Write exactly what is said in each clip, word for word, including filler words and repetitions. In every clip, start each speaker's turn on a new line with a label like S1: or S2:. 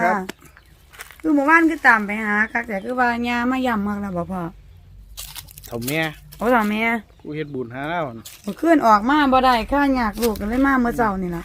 S1: ครับ
S2: คือหมู่บ้านคือตามไปหาคักแต่คือว่าญามาย่ำมากแล้วบ่พ่อ
S1: เถ่าแม่
S2: โอ้สามี
S1: กูเฮ็ดบุญหาแล้ว
S2: เมื่อคืนออกมาบ่ได้ข้าอยากลูกกันเลยมาเมื่อเช้านี่ล่ะ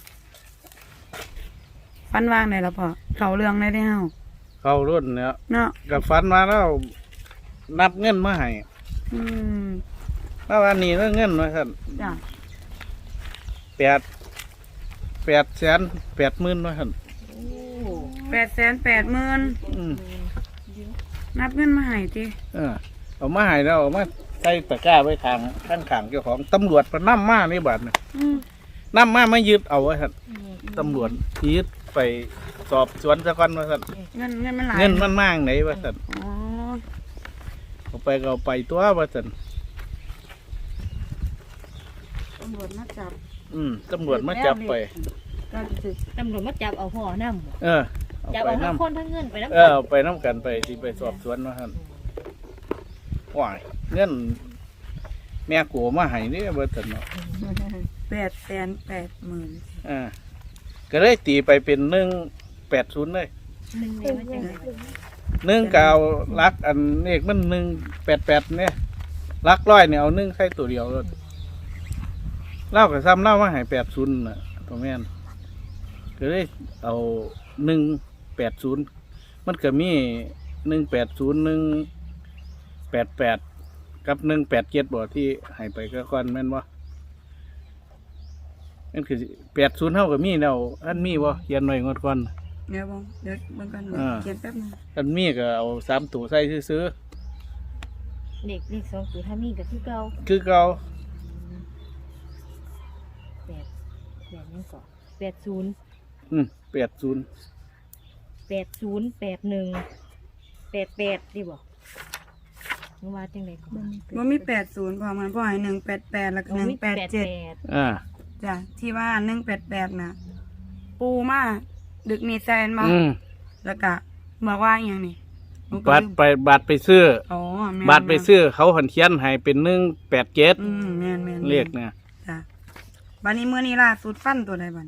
S2: ฟันวางได้แล้วพ่อเขาเรื่องได้ได้เฮา
S1: เข้ารุ่นเนี่ย
S2: เนาะ
S1: กับฟันมาแล้วนับเงินมาให้
S2: อืม
S1: แล้วอันนี้เงินมาสั่น
S2: จ้ะ
S1: แปดแปดแสนแปดหมื่นมาสั่น
S2: แปดแสนแปดหมื่น
S1: อืม
S2: นับเงินมาให้ติ
S1: เออเอามาให้แล้วเอามาใส่ตะกร้าไว้ทางข้างขางเจ้าของตำรวจมานั่มมานี่บัดเนี่ย
S2: อืม
S1: นั่มมามายึดเอาไว้สั่นตำรวจยึดไปสอบสวนซะก่อนว่าสั่น
S2: เงินเงินมันหลาย
S1: เงินมันมากไหนว่าสั่น
S2: อ๋อ
S1: เอาไปก็เอาไปตัวว่าสั่น
S2: ตำรวจมาจับ
S1: อืมตำรวจมาจับไป
S2: ก็สึก
S3: ตำรวจมาจับเอาพ่อน้ำ
S1: เออเอา
S3: จับ
S1: ไป
S3: เอาทั้
S1: น้
S3: งคนทั้งเงินไปน้ำ
S1: ำเออเอาไปน้ำกันไปที่ไปสอบสวนว่าสั่นว้ายเงินแม่กูมาให้นี่ว่าสั่นเนาะ
S2: แปดแสนแปดหมื่น
S1: อ่าก็เลยตีไปเป็นหนึ่งแปดศูนย์เลย
S3: หนึ่งเลยมันจังไง
S1: หนึ่งกาวรักอันเลขมันหนึ่งแปดแปดเนี่ยรักร้อยเนี่ยเอาหนึ่งใส่ตัวเดียวเลยเล่ากับซ้ำเล่ามาใหายแปดศูนย์น่ะตัวแม่นก็เลยเอาหนึ่งแปดศูนย์มันก็มีหนึ่งแปดศูนย์หนึ่งแปดแปดกับหนึ่งแปดเจ็ดบ่ที่ใหายไปก็ก่อนแม่นบ่นั่นคือแปดศูนย์เท่ากับมีแล้วอันมีบ่เขียนหน่อยงดก่อน
S2: เดี๋ยวบงเดี๋ยวเบางกัน
S1: อ่า
S2: เขียนแป๊บนึง
S1: อันมีก็เอาสามตัวใส่ซื้อ
S3: เด็กเด็กสองตัวถ้ามีก็คือเก่า
S1: ๆคือเก่า
S3: แปดแปดนี่ก่อนแปดศูนย์
S1: อืมแปดศูนย์
S3: แปดศูนย์แปดหนึ่งแปดแปดดีบ่มึงว่าจังไงก่อน
S2: ว่ามีแปดศูนย์พอมันพ่อให้หนึ่งแปดแปดแล้วก็หนึ่งแปดเจ็ด
S1: อ่า
S2: จ้ะที่ว่าหนึ่งแปดแปดน่ะ ปูมาดึกมีแซนมา
S1: อืม
S2: แล้วก็บอกว่าอย่างนี้หนูก็
S1: บัตร
S2: ลืม
S1: ไปบัตรไปซื้อ
S2: อ๋อแม่น
S1: บัตรไปซื้อเขาหันเขียนให้เป็นหนึ่งแปดเจ็ด
S2: อืมแม่นแม่น
S1: เลขเนี่ย
S2: จ้ะบันนี้มือนี้ล่าสุดฟันตัวใดบัน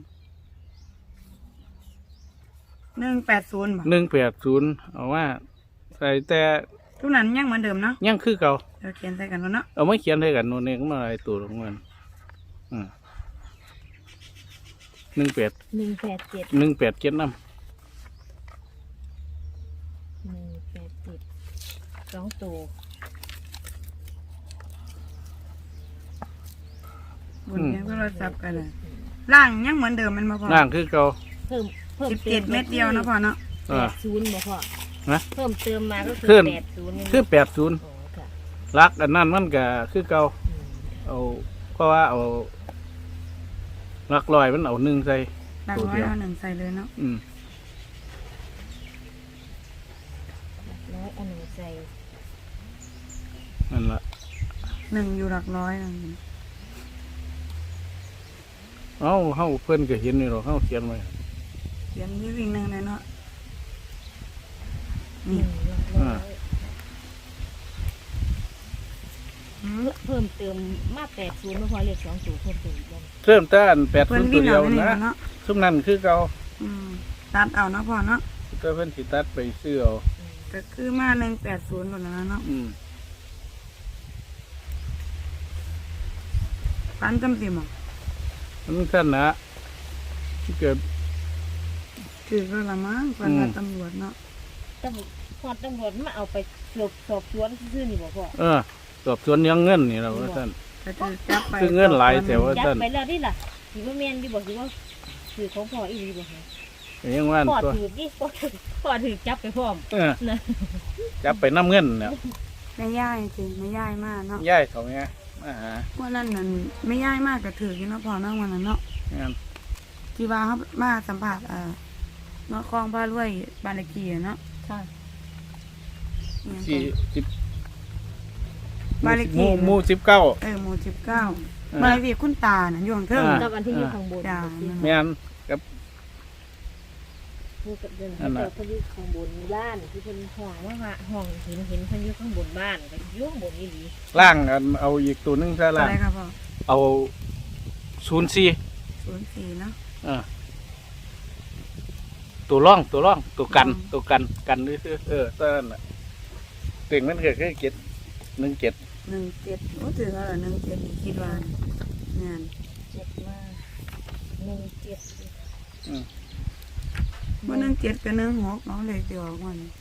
S2: หนึ่งแปดศูนย์บ่
S1: หนึ่งแปดศูนย์เอาว่าใส่แต่
S2: ทุกนั้นยังเหมือนเดิมเนาะ
S1: ยังคือเก่า
S2: เดี๋ยวเขียนใส่กันแล้วเนาะ
S1: เอาไม่เขียนให้กันโน่นเองมาอะไรตัวของมันอืมหนึ่งแปด
S3: หนึ่งแปดเจ็ด
S1: หนึ่งแปดเจ็ดน้
S3: หนึ่งแปดเจ็ดสองตัว
S2: บนเขียนโทรศัพท์กันเลยล่างยังเหมือนเดิมมันมาพอ
S1: ำล่างคือเก่า
S3: เพิ่มเพิ่ม
S2: สิบเจ็ดเม็ดเดียวเนาะพอเนาะ
S3: แปดศูนย์บ่พ่อ
S1: นะ
S3: เพิ่มเติมมาก็คือ
S1: ขึ้น
S3: แปดศูนย์
S1: คือแปดศูนย์
S3: โอ้ค่ะ
S1: รักอันนั้นมันก็คือเก่า
S3: อืม
S1: เอาเพราะว่าเอารักลอยมันเอาหนึ่งใส่
S2: หลักร้อยเอาหนึ่งใส่เลยเนาะ
S1: อืม
S3: ร้อยอันหนึ่งใส่
S1: นั่นละ
S2: หนึ่งอยู่หลักร้อยนะ
S1: เอ้าเฮาเพิ่นก็เห็นนี่หรอกเฮาเขียนไว้
S2: เขียนที่วิ่งหนึ่งเลยเนาะ
S3: ห
S2: นี่
S3: นึ่งร้อยเพิ่มเติมมาแปดศูนย์ไม่พอเลขสองตัวเพิ่มเติมอีกแล้ว
S1: เริ่มต้นแปด
S2: เพิ่
S1: ศู
S2: น
S1: นย์ตั
S2: วิ่
S1: ว
S2: ง
S1: เดีย
S2: เอา
S1: ว
S2: ไปนี่
S1: นะ
S2: เนาะ
S1: ซุมนั้นคือเก่า
S2: อืมตัดเอาเนาะพ่อเนาะ
S1: ก็เพิ่นสิตัดไปซื้อเอา
S2: ก็คือมาหนึ่งแปดศูนย์หมดแล้วเนาะ
S1: อืม
S2: ปันจำสิหมอ
S1: มันสั้นนะที่เกิด
S2: คือก็ละมั้งปันว่าตำรวจเนาะ
S3: ตำรวจพอตำรวจมาเอาไปสอบสอบสวนซื่อๆนี่บอกพ่อ
S1: เออสอบสวนยังเงินนี่เราว่าท่าน
S2: ก็จะจับไป
S1: คือเงินหลายแต่ว่า
S3: จับไปแล้วนี่ล่ะถือว่าแมนดีบอกถือว่าถือของพ่ออีหลีบอก
S1: ก็ยังว่า
S3: พ่อ
S1: ตัว
S3: ถือดิพ่อถือพ่อถือจับไปพร้อม
S1: เออ
S3: นะ
S1: จับไปน้ำเงินเนี่ย
S2: ไม่ย่ายจริงไม่ย่ายมากเนาะ
S1: ย่ายเขาไงมาหา
S2: วันนั้นนั่นไม่ย่ายมากก็ถืออยู่เนาะพ่อเนาะวันนั้นเนาะ
S1: งาน
S2: ที่ว่าเขามาสัมผัสอ่าเนาะคลองพารวยบานเลขที่อะเนาะ
S3: ค่ะ
S2: เนี่ย
S1: สี่สิบ
S2: บ้านเลข
S1: ห
S2: ที่
S1: มู่หมู่สิบเก้า
S2: เออหมู่สิบเก้า
S1: เออ
S2: บ้านเลขที่คุณตาน่ะอยู่ข้างเทิง
S1: อ่า
S3: กับอันที่อยู่ข้างบน
S2: จ้า
S1: แม่นกับ
S3: คือกับเดิน
S1: นั่นน่ะ
S3: เขาอยู่ข้างบนบ้านที่เป็นห้องว่าว่าห้องเห็นเห็นเขาอยู่ข้างบนบ้านก็อยู่ข้างบนอีหลี
S1: ล่างอันเอาอีกตัวหนึงซะ
S2: อะ
S1: ล่าง
S2: ไรครับพ่อ
S1: เอาศูนย์สี่
S2: ศูนย์สี่เนาะ
S1: อ่าตัวร่องตัวร่องตัวกันตัวกันกันนี่คือเออตอนนั้นน่ะเต็งมันก็คือเจ็ดหนึ่งเจ็ด
S2: หนึ่งเจ็ดโอ้ถึงแล้วเหรอหนึ่งเจ็ดคิดว่าเนี่ย
S3: เจ็ดมาหนึ่งเจ็ด
S2: ว่าหนึ่งเจ็ดกับหนึ่งหกเนาะเลยจะออกมาเนี่ย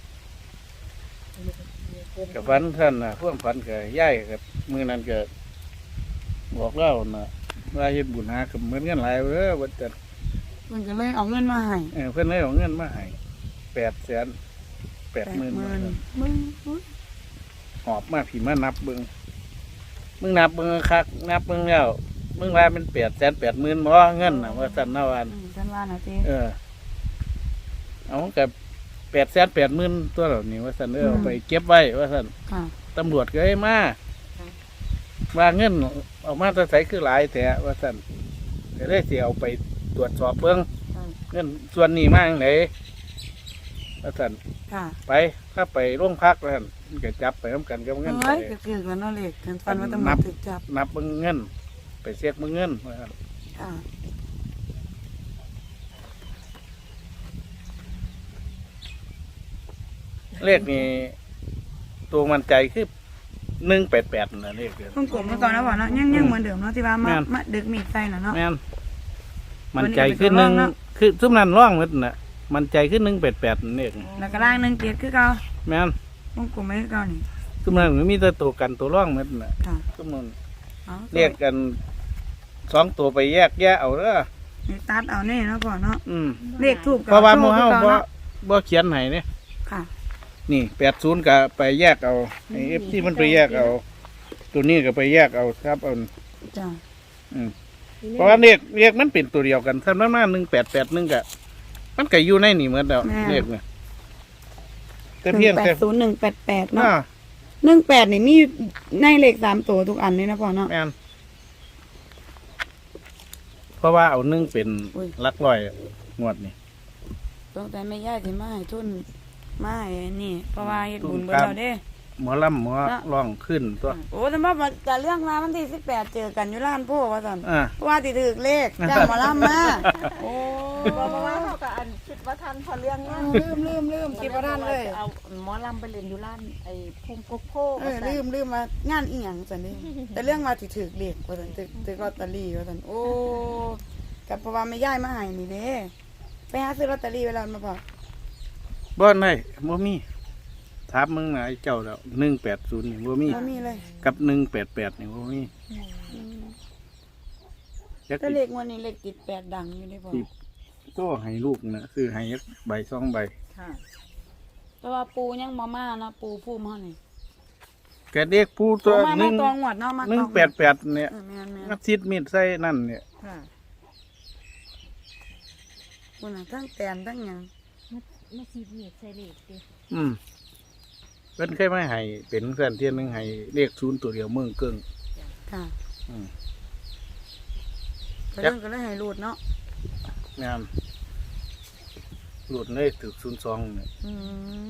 S1: กับฝันท่านน่ะพวกฝันกับย่ายกับมือนั้นก็บอกเล่าน่ะว่าเฮ็ดบุญหากับเหมือนกันหลายเด้อว่าจะ
S2: มันก็เลยเอาเงินมาให้
S1: เออเพิ่นเลยเอาเงินมาให้แปดแสนแปดหมื่น
S2: มึงอุ๊ย
S1: หอบมาผีมานับเบิ่งมึงนับเบิ่งคักนับเบิ่งแล้วมึงว่ามันแปดแสนแปดหมื่นบ่เงินน่ะว่าซั่นนะวาน
S2: อืมฉันว่านะเจ๊
S1: เออ เอากับแปดแสนแปดหมื่นตัวเหล่านี้ว่าซั่นเออเอาไปเก็บไว้ว่าซั่น
S2: ค่ะ
S1: ตำรวจก็ให้มาว่าเงินออกมาแตะใสคือหลายแต่ว่าซั่นก็เลยสิเอาไปตรวจสอบเบิ่ง
S2: ค่ะ
S1: เงินส่วนนี้มาจังไดว่าซั่น
S2: ค่ะ
S1: ไปถ้าไปโรงพักว่าซั่นมันก็จับไปนํกันกับเงิน
S2: เฮ้ย
S1: ไป
S2: ก็คือกันเนาะเล็กถึงฟันว่าตำรวจถึกจับ
S1: นับเบิ่งเงิน ไปเช็คเบิ่งเงินว่าซั่น
S2: ค่ะ
S1: เลขนี้ตัวมันใจคือหนึ่งแปดแปดนะเลขเดียว
S2: ต้องกลมไว้ก่อนนะบ่เนาะยังยังเหมือนเดิมเนาะที่ว่ามา
S1: แม่น
S2: มาดึกมีดใส่น่ะเนาะ
S1: แม่นมันใจคือหนึ่ง
S2: ตัวนี้ก็เป็นตัวร่องเนาะ
S1: คือซุมนั้นร่องหมดน่ะ มันใจคือหนึ่งแปดแปดนี่เอง
S2: แล้วก็ล่างหนึ่งเจ็ดคือเก่า
S1: แม่น
S2: ต้องกลมไว้คือเก่านี่
S1: ซุมนั้นมันมีแต่ตัวกันตัวร่องหมดน่ะ
S2: ค่ะ
S1: ซุมนั้น
S2: เอา
S1: เรียกกันสองตัวไปแยกแยะเอาเด้อ
S2: นี่ตัดเอาแน่เนาะพ่อเนาะ
S1: อืม
S2: เลขทูบ
S1: เพราะว่าหมู่เฮา
S2: โช
S1: บ่
S2: ว์คือเก่าเนาะ
S1: บ่เขียนให้เนี่ย
S2: ค่ะ
S1: นี่แปดศูนย์ก็ไปแยกเอาไอ้ F ที่มันไปแยกเอา ตัวนี้ก็ไปแยกเอาครับเอา
S2: จ้า
S1: อืม เพราะว่าเลขเลขมันเป็นตัวเดียวกันสำนักหน้าหนึ่งแปดแปดหนึ่งกะมันก็อยู่ในนี่เหมือนเดิมเลขเนี่ยแต่
S2: หนึ่
S1: เพียง
S2: งแป
S1: แต่
S2: ดศูนย์หนึ่งแปดแปดเนาะ
S1: อ่า
S2: หนึ่งแปดนี่มีในเลขสามตัวทุกอันเลยนะพ่อเนาะ
S1: แม่นเพราะว่าเอาหนึ่งเป็น
S2: อุ้ย
S1: หลักร้อยงวดนี่
S2: ตั้งแต่ไม่ย่ายที่มาให้ทุนมาให้นี่ เพราะว่าเฮ็ดบุญเบิ่
S1: ครั
S2: เรา
S1: บ
S2: เด้
S1: หมอลำหมอร้องขึ้นตัว
S2: โอ้แต่ว่ามันจะเรื่องมาวันที่สิบแปดเจอกันอยู่ร้านพ่อว่าซั่น
S1: อ่า
S2: เพราะว่าติถึกเลขจ้างหมาล่ำมาโอ้
S4: บอกมาว่าเขากับอันคิดว่าทันพอเรื่องเนี้ย
S2: ลืมลืมลืมคิดว่าท่านเลย
S4: เอาหมอลำไปเรียนอยู่ร้านไอ้พุ่มโกโก้
S2: เออลืมลืมว่างานอีหยังซั่นนี่แต่เรื่องมาที่ถึกเลขว่าซั่นถึกถึกลอตเตอรี่ว่าซั่นโอ้กับเพราะว่าไม่ย่ายมาให้นี่เด้ไปหาซื้อลอตเตอรี่ไว้แล้วมาพอ
S1: บ่ได้บ่มีถามมึงนะไอ้เจ้าแล้วหนึ่งแปดศูนย์นี่บ่มี
S2: บ่มีเลย
S1: กับหนึ่งแปดแปดนี่บ่มีจัก
S2: แต่
S1: สิ
S2: เลขงวันนี้เลขติดแปดดังอยู่เด้พ่อ
S1: ก็ให้ลูกนะซื้อให้ยักใบสองใบ
S4: ค่ะ
S2: แต่ว่าปูยังบ่มาเนาะปูภูมิเฮานี่
S1: แกเด็กผู้
S2: ตั
S1: ตัว ว
S2: มา
S1: ห
S2: มา
S1: นึ่ง
S2: ตัวงวดเนาะมา
S1: หนึ่ง
S2: ตัว
S1: แปดแปดเนี่ย
S2: เออแม่นแม่น
S1: นักซิดมีดใส่นั่นเนี่ย
S4: ค่ะ
S2: คุณน่ะทั้งแตนทั้งหยัง
S3: มาสีเมียดใส่เหล็กดิ
S1: อืมเพิ่นเคยมาให้เป็นเพื่อนเที่ยนหนึงให้เลขศูนย์ตัวเดียวเมืองเกิง
S2: ค่ะ
S1: อืม
S2: ก็เรื่องก็เลยให้รูดเนาะ
S1: งามหลุดเลยถึกศูนย์สองเนี่ย
S2: อืม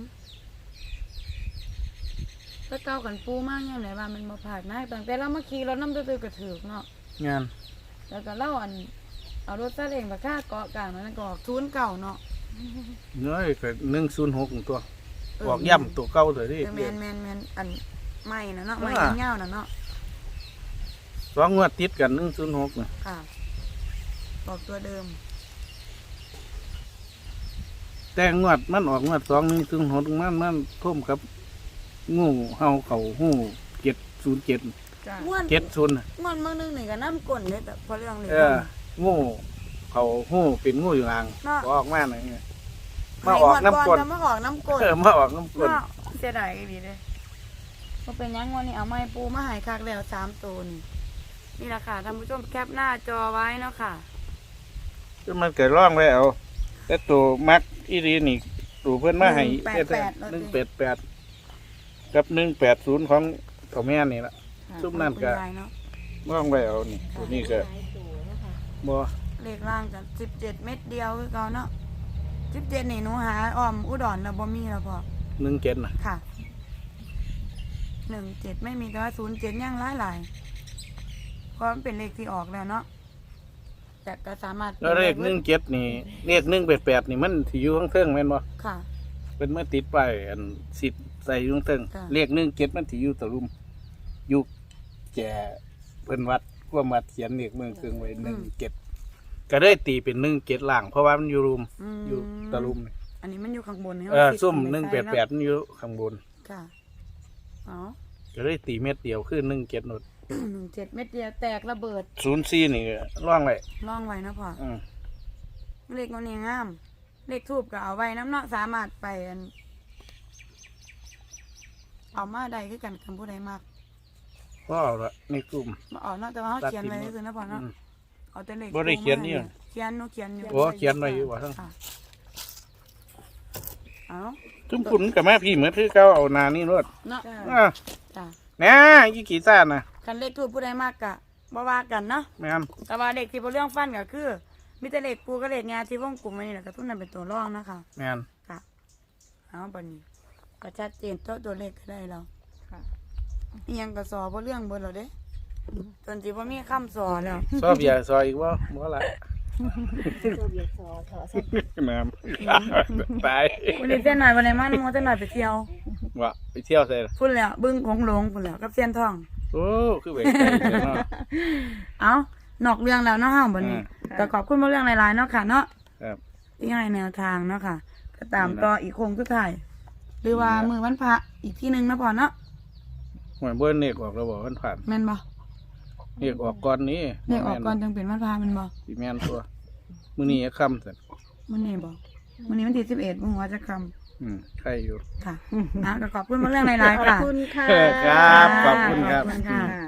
S2: แล้วเก่ากันปูมากยังไหนว่ามันมาผ่านนายตั้งแต่เรามาขี่รถน้ำตื้อๆกระถือเนาะ
S1: งาน
S2: แล้วก็เล่าอัน เอารถซาเล้งมาค่าเกาะกลางนั้นก็ออกทุนเก่าเนาะ
S1: เน้อยก็หนึ่งศูนย์หกตัว
S2: เ
S1: ออกย่ำตัวเก่าเลยที่
S2: เออแมนแมนแมนอันไม่นะเนาะไม่
S1: อ่า
S2: เงี้ยวๆนะเนาะ
S1: สองงวดติดกันหนึ่งศูนย์หกนะ
S2: ค่ะออกตัวเดิม
S1: แต่งวดมันออกงวดสองหนึ่งศูนย์หกมันมันท่มกับงูเห่าเขาหูเจ็ดศูนย์เจ็ด
S4: จ้ะ
S2: ม้วน
S1: เจ็ดศูนย์
S2: ม้วนเมื่อนึงนี่ก็น้ำก้นเลยแต่พอเรื่องนี้
S1: เอองูเขาหูเป็นงูอยู่ห่าง
S2: เนาะ
S1: ออกมาหน่อยไง
S2: ให้
S1: มาออก
S2: งวด
S1: น้ำก้น
S2: แต่มาออกน้ำก้น
S1: เออมาออกน้ำก้น
S2: เนาะเสียดายดีเลยก็เป็นหยังวันนี้เอาไม้ปูมาใหายคักแล้วสามตัวนี่นี่แหละค่ะท่านผู้ชมแคปหน้าจอไว้เนาะค่ะ
S1: ก็มันเกิดร่องไว้เอาแต่ตัวมักอีรีนี่ตัวเพื่อนมาให้
S2: หนึ่งแปดแปด
S1: หนึ่งแปดแปดกับหนึ่งแปดศูนย์ของของแม่นี่ละ
S2: ค่ะ
S1: ซุปนั่นก็
S2: คุณยายเนาะ
S1: ร่องไว้เอานี่ตัวนี้ก็
S3: หลายตัวนะคะ
S1: บ่
S2: เลขล่างกันสิบเจ็ดเม็ดเดียวคือเก่าเนาะสิบเจ็ดนี่หนูหาอ้อมอุดรแล้วบ่มีแล้วพอ
S1: หนึ่งเจ็ดนะ
S2: ค่ะหนึ่งเจ็ดไม่มีแต่ว่าศูนย์เจ็ดย่างหลายหลายเพราะมันเป็นเลขที่ออกแล้วเนาะแต่ก็สามารถ
S1: แล้วเลขหนึ่งเจ็ดนี่เลขหนึ่งแปดแปดนี่มันที่อยู่ข้างเทิงแม่นบ่
S2: ค่ะ
S1: เป็นเมื่อติดไปายอันสิทธิ์ใส่อยุ่ข้างเทิง
S2: ค่ะ
S1: เลขหนึ่งเจ็ดมันที่อยู่ตะลุมอยู่แก่เพิ่นวัดความวัดเขียนเลขเมืองเทิงไว้หนึ่งเจ็ดก็ได้ตีเป็นหนึ่งเจ็ดล่าง เพราะว่ามันอยู่รุม
S2: ม
S1: อยู่ตะลุมนี่
S2: อันนี้มันอยู่ข้างบนนี่
S1: เออ
S2: ราคิ
S1: ซุ่ม
S2: ขึ้
S1: หนึ่ง
S2: ไใส่
S1: แปดแปดมันอยู่ข้างบน
S2: ค่ะอ๋อ
S1: ก็ได้ตีเม็ดเดียวคือหนึ่งเจ็ดนด
S2: หนึ่งเจ็ดเม็ดเดียวแตกระเบิด
S1: ศูนย์สี่นี่ร่องไว้
S2: ล่องไว้นะพ่อ
S1: อืม
S2: เลขมันนี่งาม เลขทูบก็เอาไว้น้ำเนาะสามารถไปอันเอามาได้คือกันคำพูดใดมาก
S1: ก็เอาละในกลุ่ม
S2: มาเอาเนาะแต่ว่าเขาเขียนไว้คือๆนะพ่อเนาะ
S1: อืม
S2: เอาแต่เลข
S1: บ่ได้เขียนนี่
S2: ทูบมาให้เขียนหนูเขียนอยู่
S1: โอ้เขียนไว้อยู่ว่าทั้ง
S2: ค่ะเอา
S1: ทุกคุณกับแม่พี่เหมือนที่เขาเอานานี่รถ
S2: เนาะ
S1: อ่ะ
S2: จ้ะ
S1: แหน่ยี่กี่ซ่านนะ
S2: คันเลขทูบผู้ใดมากกะบ่ว่ากันเนาะ
S1: แม่น
S2: แต่ว่าเลขที่บ่เรื่องฟันก็คือมีแต่เลขปูกับเลขงาที่วงกลมไว้นี่แหละก็ทุนนั้นเป็นตัวรองนะคะ
S1: แม่น
S2: ค่ะเอาบัดนี้ก็ชัดเจนตัวตัวเลขก็ได้แล้ว
S4: ค่ะ
S2: อีหยังก็สอบ่เรื่องเบิดแล้วเด้จนสิบ่มีคำสอแล้ว
S1: ซอบอย่าซอยอีกว่าบ่ละ
S3: ตัวเบียดซอถอสัก
S1: แม่นตาย
S2: วันนี้เส้นหน่อยวันไหนมาน้ำมนต์เส้นหน่อยไปเที่ยว
S1: ว่าไปเที่ยวใส่ละ
S2: พุ่นแล้วบึ้งของหลงพุ่นแล้วกับเสียนทอง
S1: โอ้คือไปไกลเลยเนาะ
S2: เอานอกเรื่องแล้วเนาะเฮาบัดนี้
S1: อ่า
S2: แต่ขอบคุณมาเรื่องหลายๆเนาะค่ะเนาะ
S1: ครับ
S2: ที่ให้แนวทางเนาะค่ะ ก็ตาม
S1: นี่นะ
S2: ต่ออีกโคงสุดท้ายหรือว่า
S1: นี่นะ
S2: มือวันพระอีกที่หนึงนะพ่อเนาะ
S1: หวยเบิ้ลเนกออกแล้วบอกมันผ่าน
S2: แม่นบ่
S1: เนกออกก่อนนี้
S2: เลขออกก่อนจังเป็นวันพระแม่นบ่
S1: สีแม่นตัวมื้อนี้ค่ำเสร็จ
S2: มื้อนี้บ่มื้อนี้วันที่สิบเอ็ดบ่ฮู้ว่าจะคำ
S1: อืมใครอยู่
S2: ค่ะนะก็ขอบคุณมาเรื่องหลายๆ
S4: ขอบ
S2: ค่ะ
S4: คุณค่ะ
S1: ครับขอบคุณครับ
S2: ขอบคุณค่ะ
S4: ค่ะ